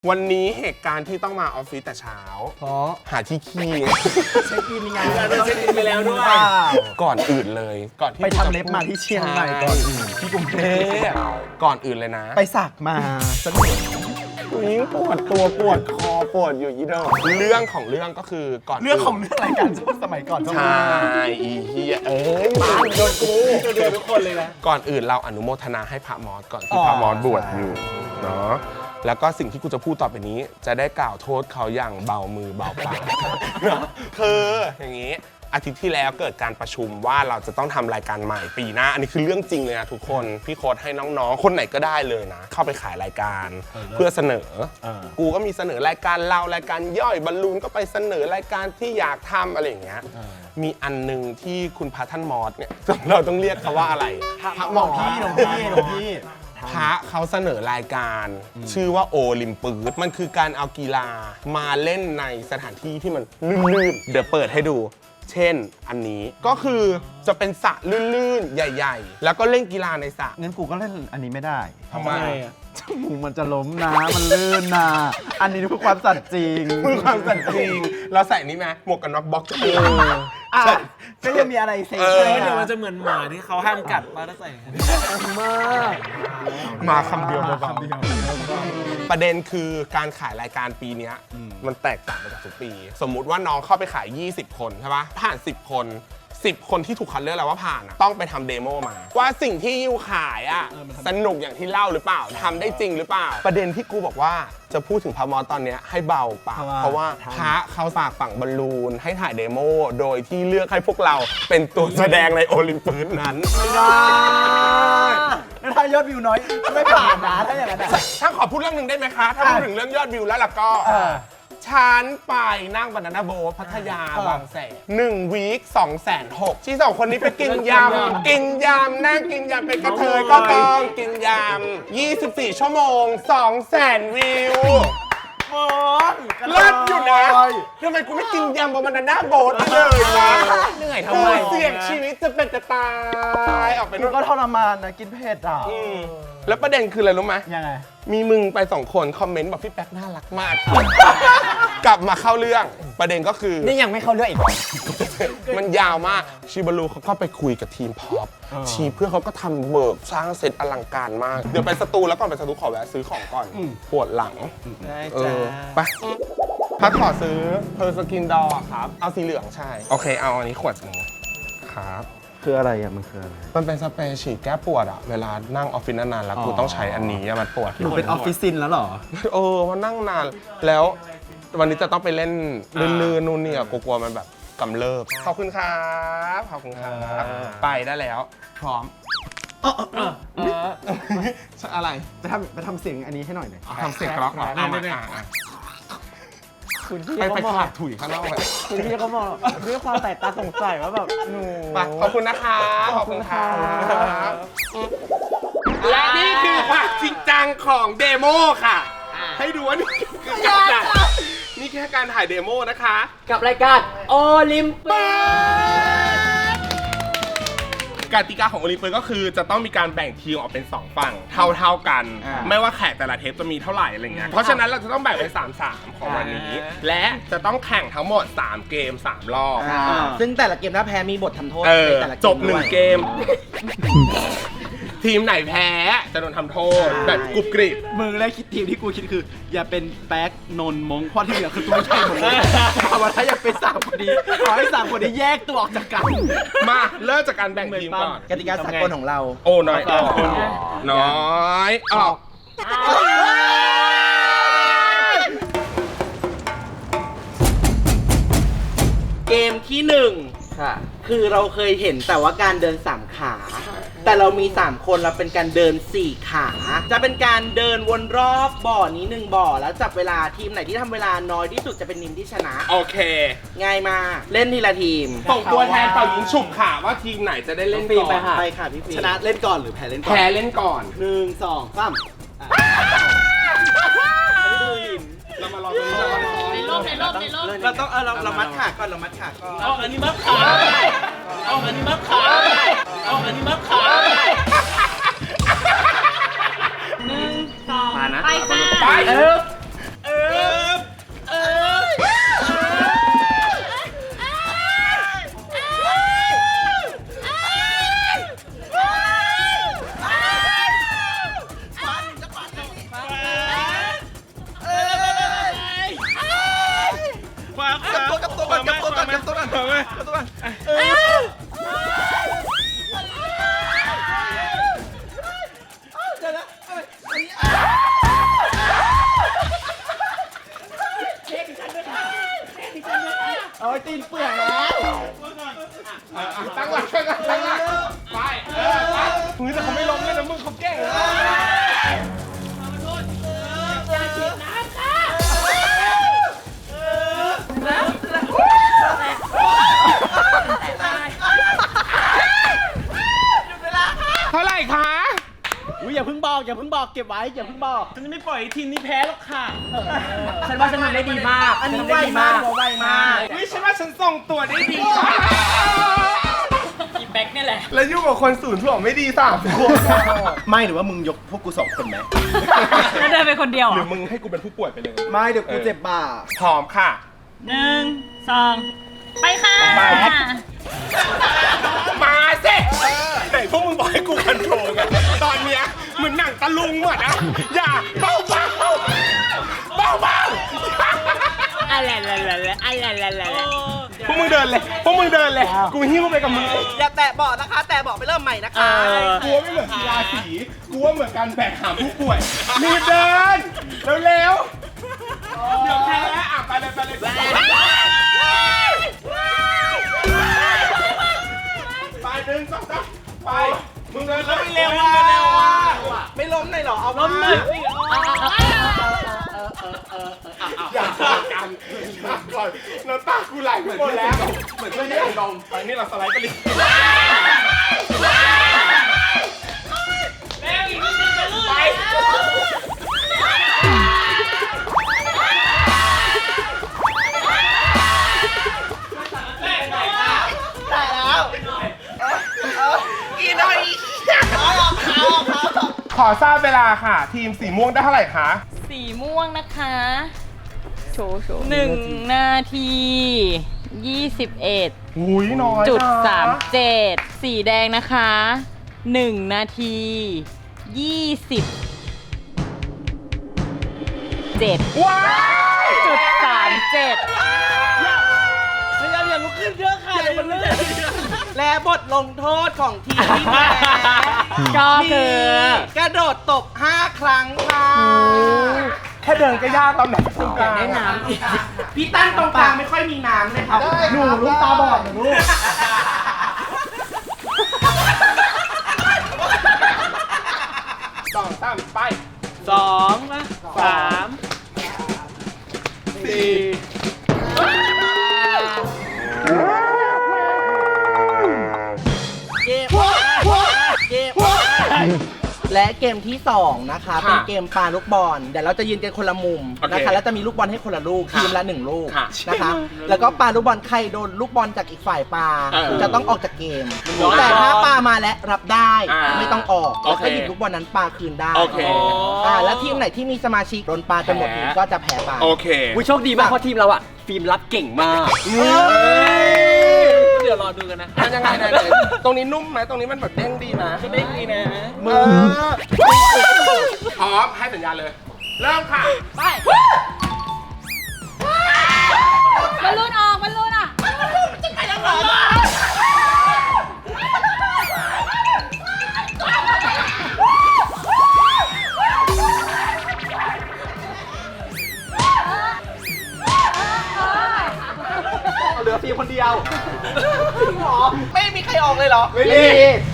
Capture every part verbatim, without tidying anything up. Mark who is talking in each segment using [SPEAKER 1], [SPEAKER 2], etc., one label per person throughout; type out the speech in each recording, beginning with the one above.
[SPEAKER 1] วันนี้เหตุการณ์ที่ต้องมาออฟฟิศแต่เช้าเพราะหาที่ขี้
[SPEAKER 2] เช็คอินไงเช็คอินไปแล้วด้วย
[SPEAKER 1] ก่อนอื่นเลยก่อนที่
[SPEAKER 2] ไปทำเล็บมาที่เชียงใหม่ก่อน
[SPEAKER 1] ที่กรุงเทพก่อนอื่นเลยนะ
[SPEAKER 2] ไปสักมาสักหน่อย
[SPEAKER 1] ยิ่งปวดตัวปวดคอปวดอยู่ยี่ดอกเรื่องของเรื่องก็คือก่อน
[SPEAKER 2] เรื่องของเรื่องรายการช่วงสมัยก่อน
[SPEAKER 1] ใช่อีเฮียเอ้ยมาโดนกู
[SPEAKER 2] โดนทุกคนเลยนะ
[SPEAKER 1] ก่อนอื่นเราอนุโมทนาให้พระมอสก่อนที่พระมอสบวชอยู่เนาะแล้วก็สิ่งที่กูจะพูดต่อไปนี้จะได้กล่าวโทษเขาอย่างเบามือเบาปากคืออย่างนี้อาทิตย์ที่แล้วเกิดการประชุมว่าเราจะต้องทำรายการใหม่ปีหน้าอันนี้คือเรื่องจริงเลยนะทุกคนพี่โค้ดให้น้องๆคนไหนก็ได้เลยนะเข้าไปขายรายการเพื่อเสนอกูก็มีเสนอรายการเรารายการย่อยบอลลูนก็ไปเสนอรายการที่อยากทำอะไรอย่างเงี้ยมีอันนึงที่คุณพระท่านมอสเนี่ยเราต้องเรียกเขาว่าอะไร
[SPEAKER 2] พระหลวงพี่หลวงพี่หลวงพี่
[SPEAKER 1] พระเขาเสนอรายการชื่อว่าโอลิมปิกมันคือการเอากีฬามาเล่นในสถานที่ที่มันลื่นๆเดี๋ยวเปิดให้ดูเช่นอันนี้ก็คือจะเป็นสระลื่นๆใหญ่ๆแล้วก็เล่นกีฬาในสระ
[SPEAKER 2] งั้นกูก็เล่นอันนี้ไม่ได้
[SPEAKER 1] ทำไม
[SPEAKER 2] จมูกมันจะล้มนะมันลื่นนะอันนี้คือความสัตย์จริง
[SPEAKER 1] คือความสัตย์จริงเราใส่นี้ไหมหมวกกันน็อกบ็อกซ์
[SPEAKER 2] ก็ยังมีอะไรเซ็ง
[SPEAKER 3] เดี๋ยวมันจะเหมือนหมาที่เขาห้ามกัดมาแล้วใส่
[SPEAKER 2] มาก
[SPEAKER 1] มาคำเดียวคำเดียวประเด็นคือการขายรายการปีนี้มันแตกต่างไปจากทุกปีสมมุติว่าน้องเข้าไปขายยี่สิบคนใช่ปะผ่านสิบคนสิบคนที่ถูกคัดเลือกแล้วว่าผ่านต้องไปทำเดโมมาว่าสิ่งที่ยูขายอ่ะสนุกอย่างที่เล่าหรือเปล่าทำได้จริงหรือเปล่าประเด็นที่กูบอกว่าจะพูดถึงพระมอสตอนนี้ให้เบาปากเพราะว่าพระเขาฝากฝังบอลลูนให้ถ่ายเดโมโดยที่เลือกให้พวกเราเป็นตัวแสดงในโอลิมปิกนั้น
[SPEAKER 2] ไม่ได้ถ้ายอดวิวน้อยไม่ผ่านนะถ้าอย่างนั้น
[SPEAKER 1] ถ้าขอพูดเรื่องหนึ่งได้ไหมคะถ้าพูดถึงเรื่องยอดวิวแล้วล่ะก็ฉันไปนั่งบานาน่าโบ๊ทพัทยาบางแสนหนึ่งวีคสองแสนหกที่สองคนนี้ไปกินยำกินยำนั่งกินยำเป็นกระเทยก็กองกินยำยี่สิบสี่ชั่วโมงสองแสนวิวเลิศอยู่นะทำไมกูไม่กินยำบานาน่าโบ๊ทเลยนะ
[SPEAKER 3] เหนื่อยทำไม
[SPEAKER 1] เสี่ยงชีวิตจะเป็นจะตายออกไป
[SPEAKER 2] กูก็ทรมานนะกินเผ็ดอ่ะ
[SPEAKER 1] แล้วประเด็นคืออะไรรู้ไหม
[SPEAKER 2] ยังไง
[SPEAKER 1] มีมึงไปสองคนคอมเมนต์บอกพี่แป๊กน่ารักมากกลับมาเข้าเรื่องประเด็นก็คือ
[SPEAKER 2] นี่ยังไม่เข้าเรื่องอีก
[SPEAKER 1] มันยาวมากชิบารูเขาก็ไปคุยกับทีมพอปทีเพื่อเขาก็ทำเวิร์กสร้างเซตอลังการมากเดี๋ยวไปสตูแล้วก่อนไปสตูขอแวะซื้อของก่อนปวดหลัง
[SPEAKER 2] ได้จ้า
[SPEAKER 1] ไปพัดขอซื้อเพอร์สกินดอครับเอาสีเหลืองใช่โอเคเอาอันนี้ขวดนึงครับ
[SPEAKER 2] คืออะไรอ่ะมันคืออะไร
[SPEAKER 1] มันเป็นสเปรย์ฉีดแก้ปวดอ่ะเวลานั่งออฟฟิศนานๆแล้วกูต้องใช้อันนี้มันปวด
[SPEAKER 2] หนูเป็นออฟฟิศซินแล้วหรอ
[SPEAKER 1] เออมันนั่งนานแล้ววันนี้จะต้องไปเล่นลื่นๆนู่นนี่อ่ะกลัวมันแบบกำเริบขอบคุณครับขอบคุณครับไปได้แล้วพร้อมอะไร
[SPEAKER 2] ไปทำไปทำเสียงอันนี้ให้หน่อยหน่อย
[SPEAKER 1] ทำเสียงกรอกหน่อยไปไปขาดถุยข้างนอกเลย
[SPEAKER 2] คุณพี่เขาบอกด้วยความแตกตาสงสัยว่าแบบหนู
[SPEAKER 1] ขอบคุณนะคะขอบคุณค่ะและนี่คือความจริงจังของเดโมค่ะให้ดูว่านี่คือการนี่แค่การถ่ายเดโมนะคะ
[SPEAKER 3] กับรายการโอลิมปิ
[SPEAKER 1] กกติกาของโอลิมปิกก็คือจะต้องมีการแบ่งทีมออกเป็นสองฝั่งเท่าๆกันไม่ว่าแขกแต่ละเทปจะมีเท่าไหร่อะไรเงี้ยเพราะฉะนั้นเราจะต้องแบ่งเป็นสาม สามของวันนี้และจะต้องแข่งทั้งหมดสามเกมสามรอบ
[SPEAKER 3] ซึ่งแต่ละเกมถ้าแพ้มีบททำโทษ
[SPEAKER 1] ในแต่ละเกมจบหนึ่งเกมทีมไหนแพ้จะโดนทำโทษแบบกรุบกริบ
[SPEAKER 2] มึงแรกคิดทีมที่กูคิดคืออย่าเป็นแป๊กนนมงเพราะที่เหลือคือตัวไม่ใช่หมดเลยแต่ว่าถ้าอยากเป็นสามคนนี้ขอให้สามคนนี้แยกตัวออกจากกัน
[SPEAKER 1] มาเริ่มจากการแบ่งทีมก่อน
[SPEAKER 2] กติกาสากลของเรา
[SPEAKER 1] โอ้น้อยออกน้อยออก
[SPEAKER 3] เกมที่หนึ่งคือเราเคยเห็นแต่ว่าการเดินสามขาแต่เรามีสามคนเราเป็นการเดินสี่ขาจะเป็นการเดินวนรอบบ่อนี้หนึ่งบ่อแล้วจับเวลาทีมไหนที่ทำเวลาน้อยที่สุดจะเป็นทีมที่ชนะ
[SPEAKER 1] โอเค
[SPEAKER 3] ง่ายมากเล่นทีละทีม
[SPEAKER 1] ส่งตัวแทนเป่ายิงฉุบค่ะว่าทีมไหนจะได้เล่นก่อน
[SPEAKER 3] ไปค่ะพี่ฟี
[SPEAKER 2] ชนะเล่นก่อนหรือแพ้เล่นก่อน
[SPEAKER 1] แพ้เล่นก่อน
[SPEAKER 2] หนึ่งสองสาม
[SPEAKER 1] เรามารอตรงนี้
[SPEAKER 3] ในรอบในรอบในรอบเราต้องเราเรามัดขาก่อนเรามัดขาก่อนเอาอันนี้มัดขาเอาอันนี้มัดขาเอาอันนี้มัดขาหนึ่งสองไปค่ะไป
[SPEAKER 1] เอาไว้เอาตัวเออ
[SPEAKER 2] โอ้ยตีนเปื่อยแล้ว
[SPEAKER 1] ตั้งหลักตั้งหลักตั้งหลักไปเออไปมึงแต่เขาไม่ล้มเลยนะมึงเขาเก่งนะเท่าไหร่คะ
[SPEAKER 2] อุ้ยอย่าเพิ่งบอกอย่าเพิ่งบอกเก็บไว้อย่าเพิ่งบอก
[SPEAKER 4] ฉันจะไม่ปล่อยทีมนี้แพ้หรอกค่ะ
[SPEAKER 3] ฉันว่าฉันทำได้ดีมาก
[SPEAKER 2] อันนี้ไวมากไวมาก
[SPEAKER 1] วิฉันว่าฉันส่งตัวได้ดี
[SPEAKER 4] อีแบ็กเนี่ยแหละ
[SPEAKER 1] แล้วยุ่งกับคนศูนย์ถ่วงไม่ดีสามคน
[SPEAKER 2] ไม่หรือว่ามึงยกพวกกูสองคนไหม
[SPEAKER 4] แล้วเดินไปคนเดียว
[SPEAKER 1] ห
[SPEAKER 4] เหร
[SPEAKER 1] รือ อมึงให้กูเป็นผู้ป่วยไปเลย
[SPEAKER 2] ไม่เดี๋ยวกูเจ็บบ่า
[SPEAKER 1] พร้อมค่ะ
[SPEAKER 4] หนึ่งสองไปค่ะ
[SPEAKER 1] ไป มาสิไหนพวกมึงบอกให้กูคอนโทรลไงตอนเนี้ยเหมือนหนังตะลุงหมดนะอย่าเบาเบาเบาเบา
[SPEAKER 4] อะไรอะไรอะไรอะไรอะไร
[SPEAKER 1] พวกมึงเดินเลยพวกมึงเดินเลยกูหิ้วไปกับมึง
[SPEAKER 3] อย่าแตะเบาะนะคะ แตะเบาะไปเริ่มใหม่นะคะ
[SPEAKER 1] กูว่าไม่เหมือนกีฬาสีกูว่าเหมือนการแบกหามผู้ป่วยรีบเดินเร็วๆเดี๋ยวแพ้อ่ะไปเลยไปเลยไปหนึ่งสองสามไปมึงเดินแล้วไม่เร็วอ่ะ
[SPEAKER 3] ไม่ล้มเลยเหรอ เอาล้ม
[SPEAKER 1] อย่าพากันอย่าก่อนน้ำตากูไหลไปหมดแล้วเหมือนเพื่อนที่ดมไปนี่เราสไลด์ไปเลยไปขอทราบเวลาค่ะ ทีมสีม่วงได้เท่าไหร่คะ
[SPEAKER 4] สีม่วงนะคะโชว์โชว์หนึ่งนาทียี่สิบเอ็ด
[SPEAKER 1] หุยน้อย
[SPEAKER 4] จุด
[SPEAKER 1] นะ
[SPEAKER 4] สามเจ็ดสีแดงนะคะหนึ่งนาทียี่สิบเจ็ด
[SPEAKER 1] ว้าย
[SPEAKER 4] จุดสามเจ็ด
[SPEAKER 2] พยายามอย่าลุกขึ้นเยอะค่ะเดี๋ยวมันเลื่อน
[SPEAKER 3] และบทลงโทษของทีมที่แพ้
[SPEAKER 4] ก็คือ
[SPEAKER 3] กระโดดตบห้าครั้งค่ะ
[SPEAKER 1] แค่เดินก็ยากตอนไหนตรงกลาง
[SPEAKER 4] ได้น้ำอีก
[SPEAKER 3] พี่ตั้งตรงกลางไม่ค่อยมีน้ำเลยครับ
[SPEAKER 2] หนูลูกตาบอดหนูลูก
[SPEAKER 1] สองสามไป
[SPEAKER 4] สองนะสาม
[SPEAKER 1] สี่
[SPEAKER 3] เกมเกมและเกมที่สองนะคะ เป็นเกมปาลูกบอลเดี๋ยวเราจะยืนกันคนละมุมนะคะ แล้วจะมีลูกบอลให้คนละลูกทีมละหนึ่งลูกนะคะ แล้วก็ปาลูกบอลใครโดนลูกบอลจากอีกฝ่ายปาจะต้องออกจากเกม แต่ถ้าปามาและรับได้ไม่ต้องออกแล้วก็หยิบลูกบอลนั้นปาคืนได้
[SPEAKER 1] โอเค
[SPEAKER 3] อ่าแล้วทีมไหนที่มีสมาชิกโดนปาจนหมดทีมก็จะแพ้ไป
[SPEAKER 1] โอเค
[SPEAKER 5] วิโชคดีมากเพราะทีมเราอะฟิล์มรับเก่งมาก เดี๋ยวรอดูกันนะ
[SPEAKER 1] มันยังไงไหนๆตรงนี้นุ่มไหมตรงนี้มันแบบเด้งดีนะ
[SPEAKER 5] เด้งดีนะ
[SPEAKER 1] มือพร้อมให้สัญญาณเลย เริ่มค่ะ
[SPEAKER 4] ไปบอลลูนออกบอลลูนอ่ะ
[SPEAKER 2] เหลือฟิล์มคนเดียว
[SPEAKER 3] ไม่มีใครออกเลยเหรอ
[SPEAKER 1] ไม่ดี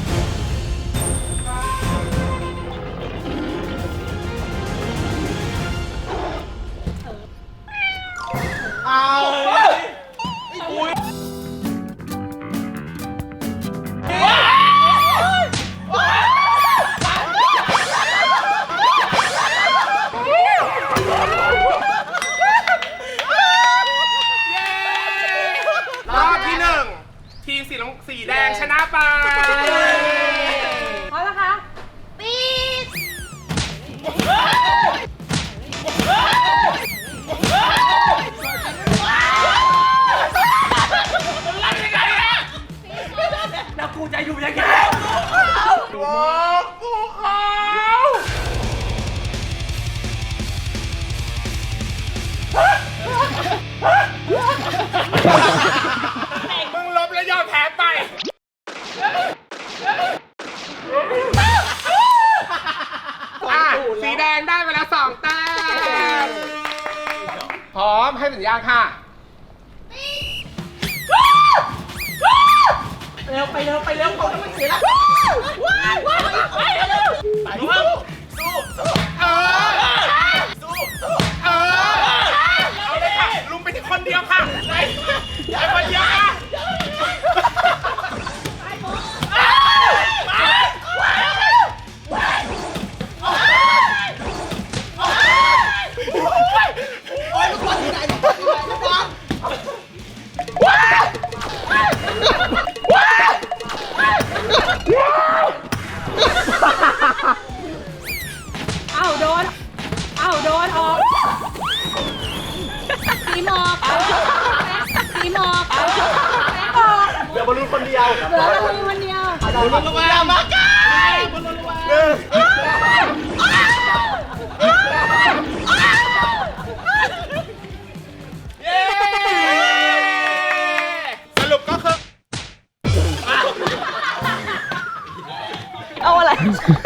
[SPEAKER 1] รอบที่หนึ่งทีมสีน้ำสีแดงชนะไป
[SPEAKER 4] พร้อมนะคะปีด
[SPEAKER 5] แล้วกูจะอยู่ยังไง
[SPEAKER 1] โอ้กูเขาพร้อมให้สัญญาณค่ะ
[SPEAKER 3] เร็วไปเร็วไปเร็วเขาจะไม่เสียละ
[SPEAKER 1] ว้ายว้ายว้ายเร็วไปสู้สู้สู้เออสู้สู้เออเอาเลยค่ะลุงไปที่คนเดียวค่ะไปไปคนเดียวค่ะ
[SPEAKER 2] โอ้ยลูกบอลที่ไหนลูกบอลที่ไหนลูกบอล
[SPEAKER 4] เอ้าโดน เอ้าโดนออกสีหมอกสีหมอกออก
[SPEAKER 2] เดี๋ยวบอลลูนคนเดียว
[SPEAKER 4] เหลือเราคนเดียว
[SPEAKER 2] บอลลูนลงมามาไกลบอลลูนลงมาเย้
[SPEAKER 1] สรุปก็คือ
[SPEAKER 4] เอาอะไร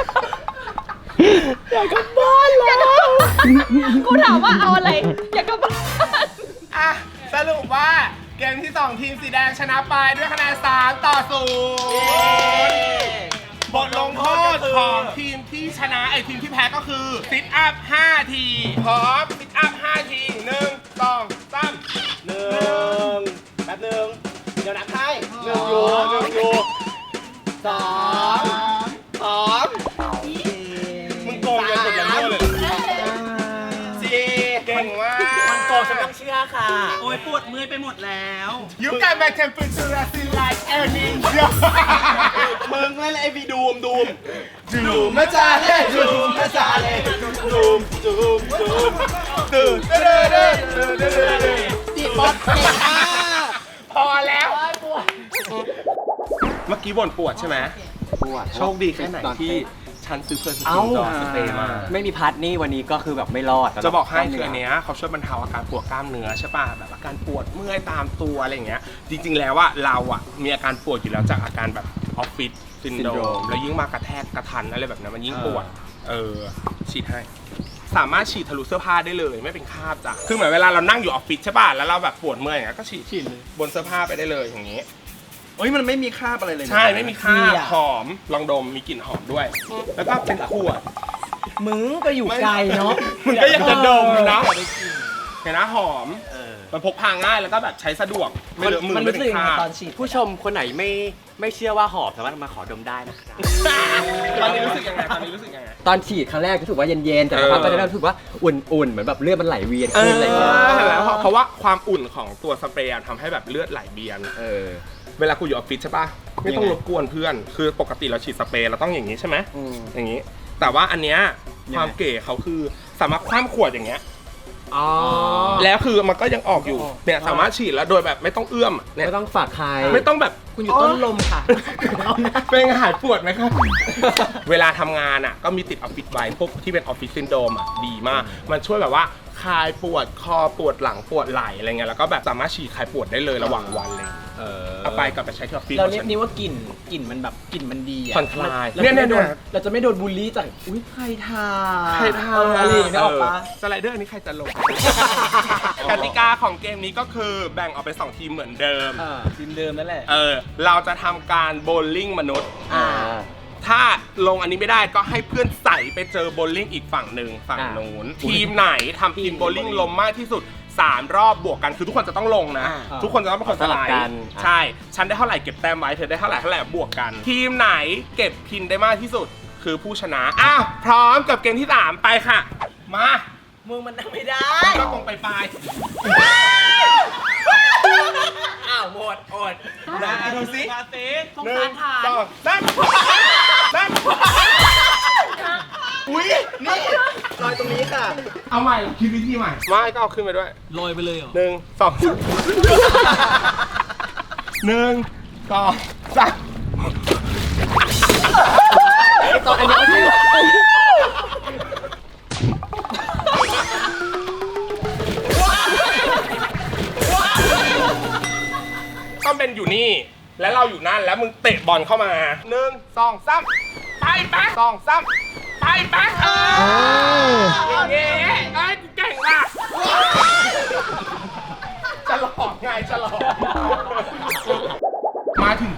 [SPEAKER 4] อยากกลับบ้านแล้วกูถามว่าเอาอะไร อยากกลับบ้าน
[SPEAKER 1] อ่ะสรุปว่าเกมที่สองทีมสีแดงชนะไปด้วยคะแนนสามต่อศูนย์บทลงโทษของทีมที่ชนะไอทีมที่แพ้ก็คือซิทอัพห้าทีพร้อมซิทอัพห้าทีหนึ่งสองสาม
[SPEAKER 2] หนึ่งแป๊บหนึ่งเดี๋ยวนับให้หนึ่งอยู่หนึ่งอยู่สองสอง
[SPEAKER 1] มึงโกงกันหมดแล้วเลย
[SPEAKER 2] สี่
[SPEAKER 1] เก่งมาก
[SPEAKER 2] มันโกงฉันต้องเชื่อค่ะ
[SPEAKER 3] โอ้ยปวดมือไปหมดแล้ว
[SPEAKER 1] You got my temperature still like any
[SPEAKER 2] มึงเล่นไอ้วีดูมดูมดูมมาจ้าเล่ดูมมาจ้าเล่ดูมดูมดูมตื่นเด้อเด้อเด้อเด้อเด้อตีบอลเก่งมาก
[SPEAKER 1] พอแล้ว เมื่อกี้บ่นปวดใช่ไหม
[SPEAKER 2] ปวด
[SPEAKER 1] โชคดีแค่ไหนที่ฉันซื้อเพอร์ส
[SPEAKER 5] เอ้า
[SPEAKER 1] ตินดอร์สเปรย์มา
[SPEAKER 5] ไม่มีพัดนี่วันนี้ก็คือแบบไม่รอด
[SPEAKER 1] จะบอกให้คืออันเนี้ยเขาช่วยบรรเทาอาการปวดกล้ามเนื้อใช่ป่ะแบบอาการปวดเมื่อยตามตัวอะไรอย่างเงี้ยจริงๆแล้วว่าเราอ่ะมีอาการปวดอยู่แล้วจากอาการแบบออฟฟิศซินโดรมแล้วยิ่งมากระแทกกระทันอะไรแบบนั้นมันยิ่งปวดเออฉีดให้สามารถฉีดทะลุเสื้อผ้าได้เลยไม่เป็นคราบจ้ะคือเหมือนเวลาเรานั่งอยู่ออฟฟิศใช่ป่ะแล้วเราแบบปวดเมื่อยอย่างเงี้ยก็ฉีดฉีดบนเสื้อผ้าไปได้เลยอย่างงี้
[SPEAKER 2] เฮ้ยมันไม่มีคราบอะไรเลยนะ
[SPEAKER 1] ใช่ไม่มีคราบหอมลองดมมีกลิ่นหอมด้วย แล้วก็เป็นขวด
[SPEAKER 5] มึงก็อยู่ไกลเนาะ
[SPEAKER 1] มึงก็ยังจะดมเนาะเห็นนะหอมมันพกพาง่ายแล้วก็แบบใช้สะดวกไม่เลอะมือ
[SPEAKER 5] มัน
[SPEAKER 1] ไม่
[SPEAKER 5] รู้
[SPEAKER 1] เป็
[SPEAKER 5] สึก
[SPEAKER 1] น
[SPEAKER 5] ยัง
[SPEAKER 1] ค
[SPEAKER 5] ไง
[SPEAKER 1] ราบ
[SPEAKER 5] ตอนฉีดผู้ชมคนไหนไม่ไม่เชื่อว่าหอบสามารถมาขอดมได้นะครับ
[SPEAKER 1] ตอนนี้รู้สึกยังไงตอนนี้รู้สึกยังไง
[SPEAKER 5] ตอนฉีดครั้งแรกรู้สึกว่าเย็นๆแต่
[SPEAKER 1] เออ
[SPEAKER 5] พอตอนนี้รู้สึกว่าอุ่นๆเหมือนแบบเลือดมันไหลเวียน
[SPEAKER 1] เอ
[SPEAKER 5] ขึ้น
[SPEAKER 1] อ
[SPEAKER 5] อะไรอย่างเงี้ย
[SPEAKER 1] เห็นแล้วเพราะเพราะว่าความอุ่นของตัวสเปรย์อะทำให้แบบเลือดไหลเวียน
[SPEAKER 5] เออ
[SPEAKER 1] เวลากูอยู่ออฟฟิศใช่ป่ะไม่ต้องรบกวนเพื่อน คือปกติเราฉีดสเปรย์เราต้องอย่างนี้ใช่ไหม
[SPEAKER 5] อืม
[SPEAKER 1] อย่างนี้ แต่ว่าอันเนี้ยความเก๋เขาคือสามารถคว่ำขวดอย่างเงี้ย
[SPEAKER 5] อ๋อ
[SPEAKER 1] แล้วคือมันก็ยังออกอยู่เนี่ยสามารถฉีดแล้วโดยแบบไม่ต้องเอื้อมเนี่ย
[SPEAKER 5] ไม่ต้องฝากใคร
[SPEAKER 1] ไม่ต้องแบบ
[SPEAKER 5] คุณอยู่ต้นลมค่ะ
[SPEAKER 1] เป็นไงหายปวดไหมครับ เวลาทำงานอ่ะก็มีติดออฟฟิศไว้พวกที่เป็นออฟฟิศซินโดรมอ่ะดีมาก มันช่วยแบบว่าคลายปวดคอปวดหลังปวดไหล่อะไรเงี้ยแล้วก็แบบสามารถฉีดคลายปวดได้เลยระหว่างวันเลย
[SPEAKER 5] เออ
[SPEAKER 1] เอาไปกลับไปใช้ที่ออฟฟิศ
[SPEAKER 2] เรา
[SPEAKER 1] ของ
[SPEAKER 2] เรีย
[SPEAKER 1] ฉั
[SPEAKER 2] ก
[SPEAKER 1] น
[SPEAKER 2] นี้ว่ากลิ่นกลิ่นมันแบบกลิ่นมันดีอะ
[SPEAKER 1] ผ่อนคลาย
[SPEAKER 2] เรา
[SPEAKER 1] เนี่ย
[SPEAKER 2] จะไม่โดน
[SPEAKER 1] เนี่ย
[SPEAKER 2] เราจะไม่โดนบูลลี่จากอุ้ยใครทา
[SPEAKER 1] ใครทำ
[SPEAKER 2] เอออะไรอย่างเงี้ยออกปะ
[SPEAKER 1] สไลเดอร์อันนี้ใครจะลง กติกาของเกมนี้ก็คือแบ่งออกเป็นสองทีมเหมือนเดิม
[SPEAKER 2] อ่าทีมเดิมนั่นแหละ
[SPEAKER 1] เออเราจะทำการโบว์ลิ่งมนุษย์
[SPEAKER 5] อ่า
[SPEAKER 1] ถ้าลงอันนี้ไม่ได้ก็ให้เพื่อนใส่ไปเจอโบว์ลิ่งอีกฝั่งหนึ่งฝั่ง
[SPEAKER 5] อ่า
[SPEAKER 1] นู้นทีมไหนทำทีมโบว์ลิ่งลมมากที่สุดสามรอบบวกกันคือทุกคนจะต้องลงนะ
[SPEAKER 5] อ่า
[SPEAKER 1] ทุกคนจะต้องเป็นคนส
[SPEAKER 5] สลั
[SPEAKER 1] ลา
[SPEAKER 5] บ
[SPEAKER 1] ย
[SPEAKER 5] กัน
[SPEAKER 1] ใช่ฉันได้เท่าไหร่เก็บแต้มไว้เธอได้เท่าไหร่เท่าไหร่บวกกัน ทีมไหนเก็บพินได้มากที่สุดคือผู้ชนะอ้าวพร้อมกับเกมที่สามไปค่ะ มา
[SPEAKER 3] มึงมันทำไม่ได้
[SPEAKER 1] ก็ตรงไปปลาย
[SPEAKER 3] อ้าวหมดอด
[SPEAKER 1] นะดูสิ
[SPEAKER 3] มาสิสง
[SPEAKER 1] หนึ่
[SPEAKER 3] สาง รทาน
[SPEAKER 1] สองสามนั่นอุ้ยนี่
[SPEAKER 2] รอยตรงนี้ค่ะ
[SPEAKER 1] เอาใหม่คิดวิธีใหม่ไม่ก็เอาขึ้นไปด้วย
[SPEAKER 2] ลอยไปเลยเหรอ
[SPEAKER 1] หนึ่งสองสามหนึ่งสองสาม
[SPEAKER 5] ตอนอันนี้ก็ใช่
[SPEAKER 1] ต้องเป็นอยู่นี่ แล้วเราอยู่นั่นแล้วมึงเตะบอลเข้ามาหนึ่งสองสามไปแป๊กสองสามไปแป๊กเอออย่างเงี้ยไอ้กูเก่งว่ะ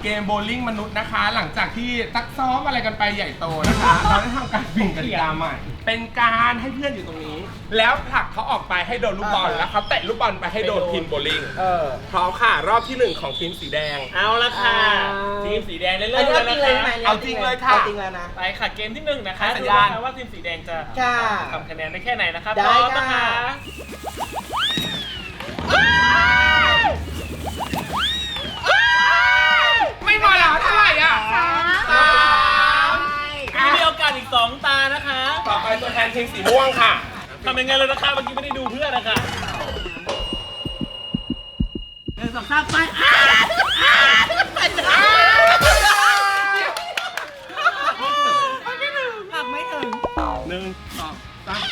[SPEAKER 1] เกมโบว์ลิ่งมนุษย์นะคะ หลังจากที่ซักซ้อมอะไรกันไปใหญ่โตนะคะ เราได้ทำการเปลี่ยนกติกาใหม่ เป็นการให้เพื่อนอยู่ตรงนี้ แล้วผลักเขาออกไปให้โดนลูกบอลแล้วเขาเตะลูกบอลไปให้โดนทีมโบว์ลิ่ง
[SPEAKER 3] เออ
[SPEAKER 1] พร้อมค่ะ รอบที่หนึ่งของทีมสีแดง
[SPEAKER 5] เอาละค่ะ
[SPEAKER 3] อ่า
[SPEAKER 5] ทีมสีแดงได้
[SPEAKER 3] อั
[SPEAKER 5] เริ่
[SPEAKER 3] น
[SPEAKER 5] ม
[SPEAKER 3] นี้
[SPEAKER 5] แล้ว
[SPEAKER 3] เอาจริ
[SPEAKER 5] นะ
[SPEAKER 3] งเลย
[SPEAKER 5] คะ
[SPEAKER 3] ไหม
[SPEAKER 1] เอาจริงเลยค่ะ
[SPEAKER 3] เอาจริงแล้วนะ
[SPEAKER 5] ไปค่ะเกมที่หนึ่งนะคะ
[SPEAKER 1] ให้สัญญาณ
[SPEAKER 5] ดูนะคะว่าทีมสีแดงจะ
[SPEAKER 3] ค่ะ
[SPEAKER 5] ทำคะแนนได้แค่ไหนนะคะ
[SPEAKER 3] ได้
[SPEAKER 5] พร้อม
[SPEAKER 3] ค่ะ
[SPEAKER 5] นะคะ
[SPEAKER 1] ไม่มาแล้วเท่าไหร่อ่ะสาม
[SPEAKER 5] มีโอกาสอีกสองตานะคะ
[SPEAKER 1] ต่อไปตัวแทนทีมสีม่วงค่ะ
[SPEAKER 5] ทำยังไงเลยนะคะเมื่อกี้ไม่ได้ดูเพื่อนนะคะหนึ่งสองสามไปอ่ะ
[SPEAKER 3] หักไม่ถึง
[SPEAKER 1] หนึ่งสองสาม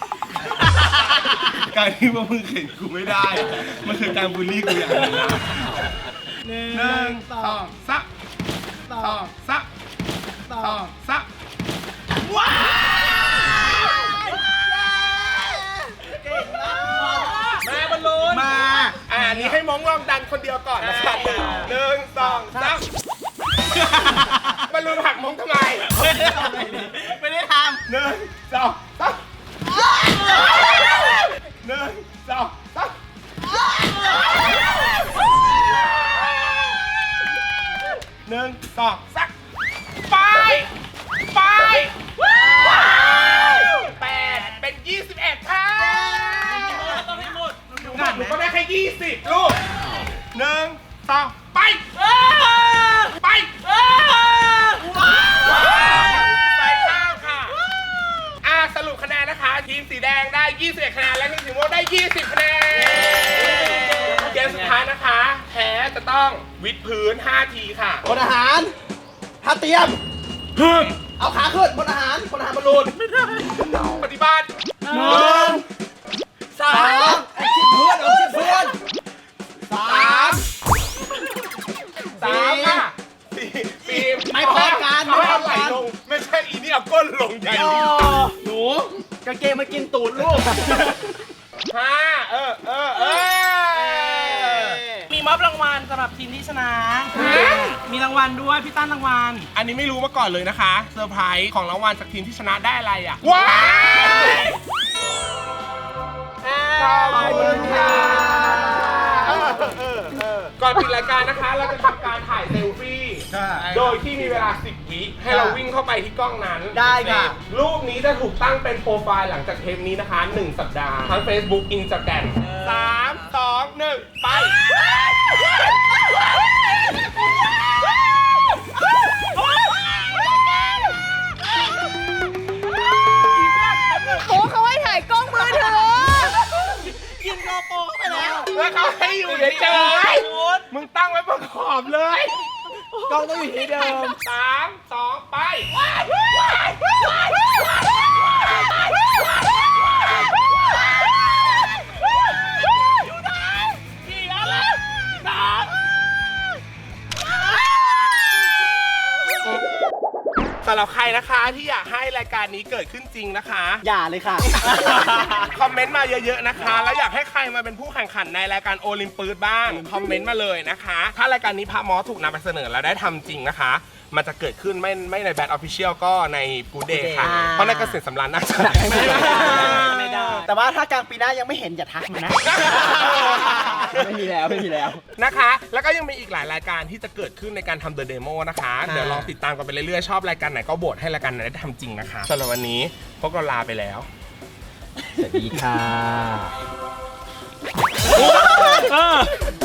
[SPEAKER 1] การที่ว่ามึงเข็นกูไม่ได้ มันคือการบูลลี่กูอย่างหนึงนะหนึ่งสองสามสองสามสองสามว้าว
[SPEAKER 5] แม่บอลลูน
[SPEAKER 1] มาอ่านี้ให้มองลองดันคนเดียวก่อนนะครับ
[SPEAKER 5] อ่า
[SPEAKER 1] หนึ่งสองสามบอลลูนหักมองทำไม
[SPEAKER 5] ไม่ได้ท
[SPEAKER 1] หนึ่งสองสามหนึ่งสองสามหนึ่งสองสามไปไปแปดเป็นยี่สิบเอ็ดค่ะ
[SPEAKER 5] ำต้องให้หมด
[SPEAKER 1] หนูก็ได้แค่ยี่สิบลูกหนึ่งสองไปไปใส่ข้าวค่ะอ่าสรุปคะแนนนะคะ ทีมสีแดงได้ยี่สิบเอ็ดคะแนนและทีมสีม่วงได้ยี่สิบคะแนนเกมสุดท้ายนะคะแพ้จะต้องวิดพื้นห้าทีค่ะ
[SPEAKER 3] บนอาหารท่าเตรียม
[SPEAKER 1] ฮึม
[SPEAKER 3] เอาขาขึ้นบนอาหารบนอาหารบอลลูน
[SPEAKER 1] ปฏิบัติ
[SPEAKER 3] หนึ่งสามไอ้ชิดเพื่อนเอาชิดเพื่อนสา
[SPEAKER 1] สาม มสามค่ะสี่สี่
[SPEAKER 3] ไม่พอกัน
[SPEAKER 1] เอาให้เอา
[SPEAKER 3] ไม่
[SPEAKER 1] ไห
[SPEAKER 3] พอกัน
[SPEAKER 1] ลลง ไม่ใช่อีนี่เอาก้นลงใหญ่
[SPEAKER 3] โอ้หนูกางเกงมากินตูดลูก
[SPEAKER 1] ห้าเออเออเออ
[SPEAKER 3] มีมอบรางวัลสำหรับทีมที่ชนะ มีรางวัลด้วยพี่ตั้นรางวัล
[SPEAKER 1] อันนี้ไม่รู้มาก่อนเลยนะคะเซอร์ไพรส์ของรางวัลจากทีมที่ชนะได้อะไรอ่ะ ว้าวขอบคุณค่ะเออเออเออก่อนปิดรายการนะคะ เราจะทำการถ่ายเซลฟี่ โดยที่มีเวลาสิบวิให้เราวิ่งเข้าไปที่กล้องนั้น
[SPEAKER 3] ได้ค่ะ
[SPEAKER 1] รูปนี้จะถูกตั้งเป็นโปรไฟล์หลังจากเทปนี้นะคะหนึ่งสัปดาห์ ทั้ง Facebook Instagram สามสองหนึ่งไป
[SPEAKER 4] โอ้เขาให้ถ่ายกล้องมือถือ
[SPEAKER 3] กินโกโปรเข้าไปแล้ว
[SPEAKER 1] แล้วเขาให้อยู่เฉยๆมึงตั้งไว้บนขอบเลย
[SPEAKER 3] กล้องต้องอยู่ที่เดิม
[SPEAKER 1] สามสองไป สำหรับใครนะคะที่อยากให้รายการนี้เกิดขึ้นจริงนะคะ
[SPEAKER 3] อย่าเลยค่ะ
[SPEAKER 1] คอมเมนต์มาเยอะๆนะคะ แล้วอยากให้ใครมาเป็นผู้แข่งขันในรายการโอลิมปิกบ้าง คอมเมนต์มาเลยนะคะ ถ้ารายการนี้พระมอสถูกนำไปเสนอแล้วได้ทำจริงนะคะ มันจะเกิดขึ้นไม่ไม่ในแบทออฟฟิเชียลก็ในกูเดย์ค่ะ
[SPEAKER 3] อ่า
[SPEAKER 1] เพราะในเกษตรสำราญน่าจะ
[SPEAKER 3] ไม่ได้ไม่ได้ แต่ว่าถ้ากลางปีหน้ายังไม่เห็นอย่าทักมานะ ไม่มีแล้วไม่มีแล้ว
[SPEAKER 1] นะคะ แล้วก็ยังมีอีกหลายรายการที่จะเกิดขึ้นในการทำเดอะเดโมนะคะ เดี๋ยวลองติดตามกันไปเรื่อยๆ ชอบรายการไหนก็โบทให้รายการไหนได้ทำจริงนะคะสำหรับวันนี้พวกเราลาไปแล้ว
[SPEAKER 3] สวัสดีค่ะ
[SPEAKER 5] ำ